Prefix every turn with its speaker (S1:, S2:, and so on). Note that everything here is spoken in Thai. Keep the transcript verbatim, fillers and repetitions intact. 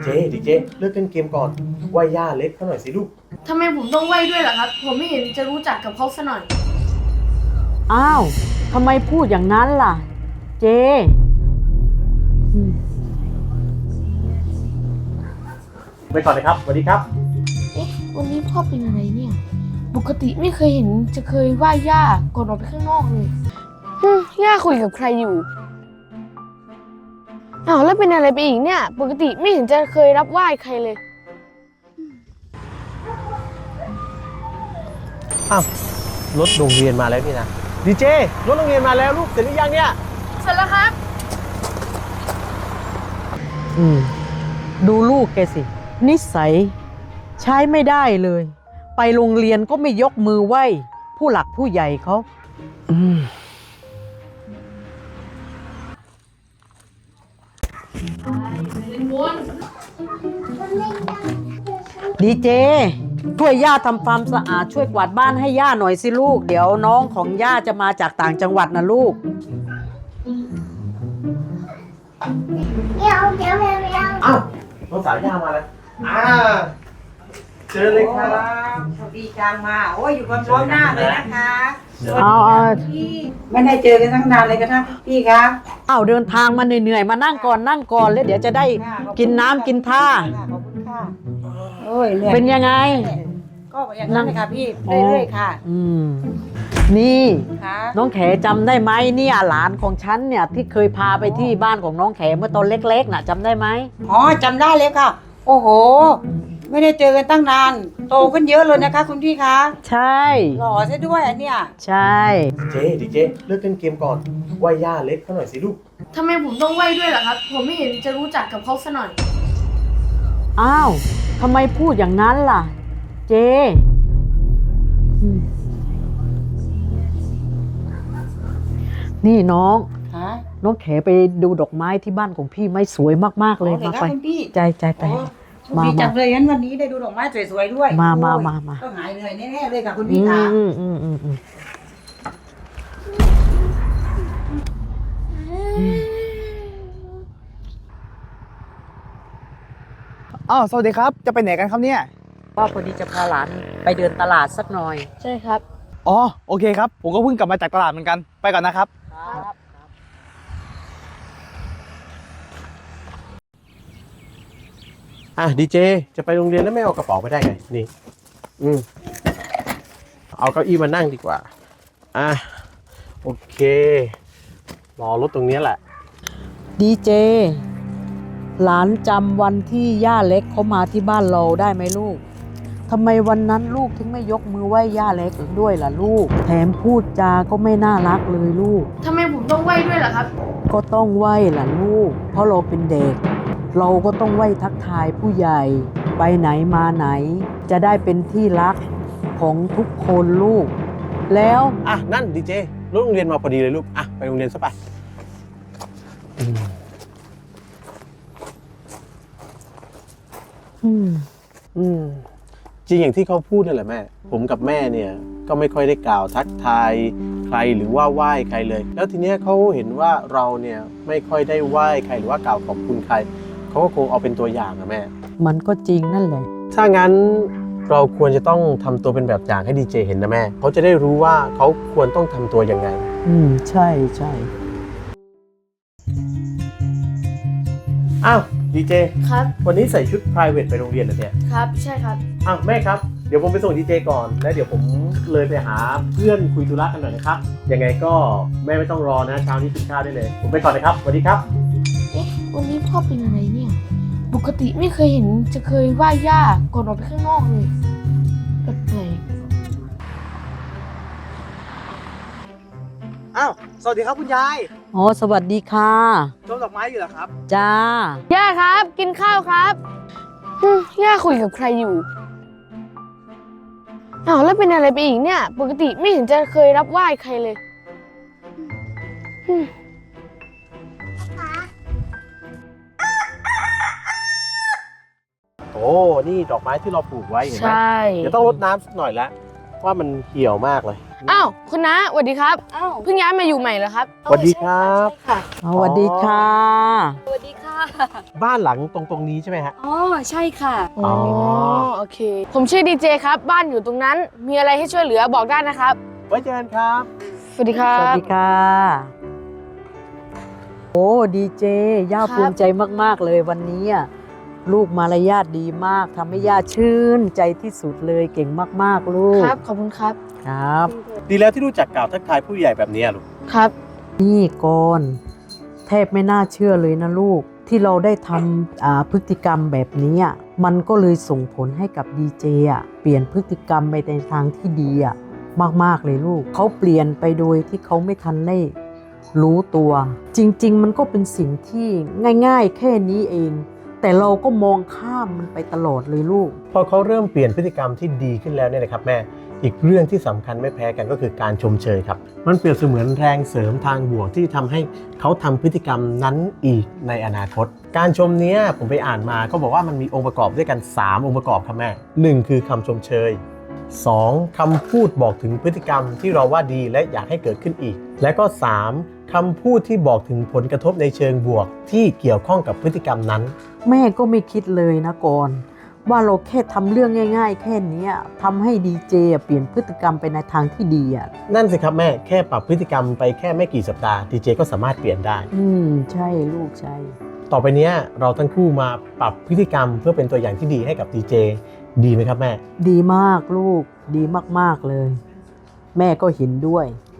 S1: เจดิเจเลิกเล่นเกมก่อนไหว้ย่าเล็กเขาหน่อยสิลูก
S2: ทำไมผมต้องไหว้ด้วยล่ะครับผมไม่เห็นจะรู้จักกับเขาซะหน่อย
S3: อ้าวทำไมพูดอย่างนั้นล่ะเจ
S1: ไปก่อนเลยครับสวัสดีครับ
S2: เอ๊ะวันนี้พ่อเป็นอะไรเนี่ยปกติไม่เคยเห็นจะเคยไหว้ย่าก่อนออกไปข้างนอกเลยฮึย่าคุยกับใครอยู่อ้าวแล้วเป็นอะไรไปอีกเนี่ยปกติไม่เห็นจะเคยรับไหว้ใครเลย
S1: อ้าวรถโรงเรียนมาแล้วนี่นะดีเจรถโรงเรียนมาแล้วลูกเสร็จหรือยังเนี่ย
S2: เสร็จแล้วครับ
S3: อืมดูลูกแกสินิสัยใช้ไม่ได้เลยไปโรงเรียนก็ไม่ยกมือไหว้ผู้หลักผู้ใหญ่เขาอืมดีเจช่วยย่าทำความสะอาดช่วยกวาดบ้านให้ย่าหน่อยสิลูกเดี๋ยวน้องของย่าจะมาจากต่างจังหวัดนะลูก
S4: เดี๋ยวเดี๋ยวเดี๋ยวเดี๋ยว
S1: อ้าวน้องสาวย่ามาแล้วอ่าเจอเลยครับ
S5: สวัสดีจังมาโอ้ยอยู่กันพร้อมหน้าเลยนะคะ
S3: เอาเอา
S5: พี่ไม่ได้เจอกันตั้งนานเลยกันนะพี่ครับ
S3: เอาเดินทางมาเหนื่อยๆมานั่งก่อนนั่งก่อนแล้วเดี๋ยวจะได้กินน้ำกินท่า
S5: ขอบคุณค่ะโอ้ยเหนื่อย
S3: เป็นยังไง
S5: ก็อย่างนั้นเลยค่ะพี่เรื่อยๆค่ะ
S3: อืมนี่
S5: ค่ะ
S3: น้องแขจำได้ไหมเนี่ยหลานของฉันเนี่ยที่เคยพาไปที่บ้านของน้องแขเมื่อตอนเล็กๆน่ะจำได้ไหม
S5: อ๋อจำได้เลยค่ะโอ้โหไม่ได้เจอกันตั้งนานโตขึ้นเยอะเลยนะคะคุณพี่คะ
S3: ใช่
S5: หล่อซะด้วยอันเนี้ย
S3: ใช่
S1: เจดิเจเลิกเล่นเกมก่อนไหว้ย่าเล็กเขาหน่อยสิลูก
S2: ทำไมผมต้องไหว้ด้วยล่ะครับผมไม่เห็นจะรู้จักกับเขาซะหน่อย
S3: อ้าวทำไมพูดอย่างนั้นล่ะเจนี่น้องน้องแขไปดูดอกไม้ที่บ้านของพี่ไม่สวยมากๆเลยมาไปใจใจไป
S5: มาจังเลยงั้นวันนี้ได้ดูดอกไม้สวยๆด้วย
S3: มามามามา
S5: ต้องหายเหนื่อยแน่ๆเลยค่ะคุณพี่ค่ะ
S3: อืมอืมอืมอืม
S6: อ้าวสวัสดีครับจะไปไหนกันครับเนี่ย
S3: ว่าพอดีจะพาหลานไปเดินตลาดสักหน่อย
S2: ใช่ครับ
S6: อ๋อโอเคครับผมก็เพิ่งกลับมาจากตลาดเหมือนกันไปก่อนนะครับ
S3: ครับ
S1: อ่ะดีเจจะไปโรงเรียนแล้วไม่เอากระเป๋าไปได้ไงนี่อืมเอาเก้าอี้มานั่งดีกว่าอ่ะโอเครอรถตรงนี้แหละ
S3: ดีเจหลานจำวันที่ย่าเล็กเขามาที่บ้านเราได้ไหมลูกทำไมวันนั้นลูกถึงไม่ยกมือไหว้ย่าเล็กด้วยล่ะลูกแถมพูดจาก็ไม่น่ารักเลยลูก
S2: ทำไมผมต้องไหว้ด้วยล่ะครับ
S3: ก็ต้องไหว้ล่ะลูกเพราะเราเป็นเด็กเราก็ต้องไหว้ทักทายผู้ใหญ่ไปไหนมาไหนจะได้เป็นที่รักของทุกคนลูกแล้ว
S1: อ่ะนั่นดีเจรถโรงเรียนมาพอดีเลยลูกอ่ะไปโรงเรียนซะไปอืม
S3: อืม
S1: อืมจริงอย่างที่เขาพูดนั่นแหละแม่ผมกับแม่เนี่ยก็ไม่ค่อยได้กล่าวทักทายใครหรือว่าไหว้ใครเลยแล้วทีเนี้ยเขาเห็นว่าเราเนี่ยไม่ค่อยได้ไหว้ใครหรือว่ากล่าวขอบคุณใครเขาก็คงเอาเป็นตัวอย่างนะแม่
S3: มันก็จริงนั่นแหละ
S1: ถ้างั้นเราควรจะต้องทำตัวเป็นแบบอย่างให้ดีเจเห็นนะแม่เขาจะได้รู้ว่าเขาควรต้องทำตัวยังไง
S3: อืมใช่ใช่
S1: อ้าวดีเจ
S2: ครับ
S1: วันนี้ใส่ชุด private ไปโรงเรียนเหรอเนี่ย
S2: ครับใช่ครับ
S1: อ้าวแม่ครับเดี๋ยวผมไปส่งดีเจก่อนแล้วเดี๋ยวผมเลยไปหาเพื่อนคุยธุระกันหน่อยนะครับยังไงก็แม่ไม่ต้องรอนะเช้านี้กินข้าวได้เลยผมไปก่อนนะครับสวัสดีครับ
S2: เอ๊ะวันนี้พ่อเป็นอะไรเนี่ยปกติไม่เคยเห็นจะเคยไหว้ย่าก่อนออกไปข้างนอกเลยแปลก
S6: อ้าวสวัสดีครับคุณยาย
S3: อ๋อสวัสดีค่ะ
S6: ชมดอกไม้อยู่เหรอครับ
S3: จ้า
S2: ย่าครับกินข้าวครับฮึย่าคุยกับใครอยู่อ้าวแล้วเป็นอะไรไปอีกเนี่ยปกติไม่เห็นจะเคยรับไหว้ใครเลย
S1: โอ้นี่ดอกไม้ที่เราปลูกไว้เห็นไหม
S2: ใช่
S1: เดี๋ยวต้องรดน้ำสักหน่อยแล้วว่ามันเหี่ยวมากเลย
S2: อ้าวคุณน้าสวัสดีครับ
S7: อ้าว
S2: เพิ่งย้ายมาอยู่ใหม่เหรอครับ
S1: สวัสดีครับ
S7: ใช่ค่ะ
S3: สวัสดีค่ะ
S7: สวัสดีค่ะ
S1: บ้านหลังตรงตรงนี้ใช่ไหมฮะ
S7: อ๋อ ใช่ค่ะ
S1: อ๋อ
S2: โอเค ผมชื่อดีเจครับ บ้านอยู่ตรงนั้น มีอะไรให้ช่วยเหลือบอกได้นะครับ
S1: ไว้เจอกันครับ
S2: สวัสดีครั
S3: สวั
S2: บ
S3: สดีค่ะ โอ้ดีเจ ย่า
S2: ครับ
S3: ภูมิใจมากๆเลยวันนี้อะลูกมารยาทดีมากทำให้ย่าชื่นใจที่สุดเลยเก่งมากๆ ลูก
S2: ครับ ขอบคุณครับ
S3: ครับ
S1: ดีแล้วที่รู้จักกล่าวทักทายผู้ใหญ่แบบนี้ลูก
S2: ครับ
S3: นี่ก่อนแทบไม่น่าเชื่อเลยนะลูก ที่เราได้ทำอ่าพฤติกรรมแบบนี้อะมันก็เลยส่งผลให้กับดีเจอ่ะเปลี่ยนพฤติกรรมไปในทางที่ดีอ่ะมากๆเลยลูกเขาเปลี่ยนไปโดยที่เขาไม่ทันได้รู้ตัว จริง ๆ มันก็เป็นสิ่งที่ง่ายๆ แค่นี้เอง แต่เราก็มองข้ามมันไปตลอดเลยลูก
S1: พอเขาเริ่มเปลี่ยนพฤติกรรมที่ดีขึ้นแล้วเนี่ยนะครับแม่อีกเรื่องที่สำคัญไม่แพ้กันก็คือการชมเชยครับมันเปรียบเสมือนแรงเสริมทางบวกที่ทำให้เขาทำพฤติกรรมนั้นอีกในอนาคต การชมเนี้ยผมไปอ่านมาเขาบอกว่ามันมีองค์ประกอบด้วยกันสามองค์ประกอบครับแม่หนึ่งคือคำชมเชยสองคำพูดบอกถึงพฤติกรรมที่เราว่าดีและอยากให้เกิดขึ้นอีก และก็สามคำพูดที่บอกถึงผลกระทบในเชิงบวกที่เกี่ยวข้องกับพฤติกรรมนั้น
S3: แม่ก็ไม่คิดเลยนะก่อนว่าเราแค่ทำเรื่องง่าย ๆ แค่เนี้ยทำให้ดีเจอ่ะเปลี่ยนพฤติกรรมไปในทางที่ดีอ่ะ
S1: นั่นสิครับแม่แค่ปรับพฤติกรรมไปแค่ไม่กี่สัปดาห์ดีเจก็สามารถเปลี่ยนได้
S3: อืมใช่ลูกใช่
S1: ต่อไปเนี้ยเราทั้งคู่มาปรับพฤติกรรมเพื่อเป็นตัวอย่างที่ดีให้กับดีเจดีไหมครับแม่
S3: ดีมากลูกดีมากๆเลย แม่ก็เห็นด้วย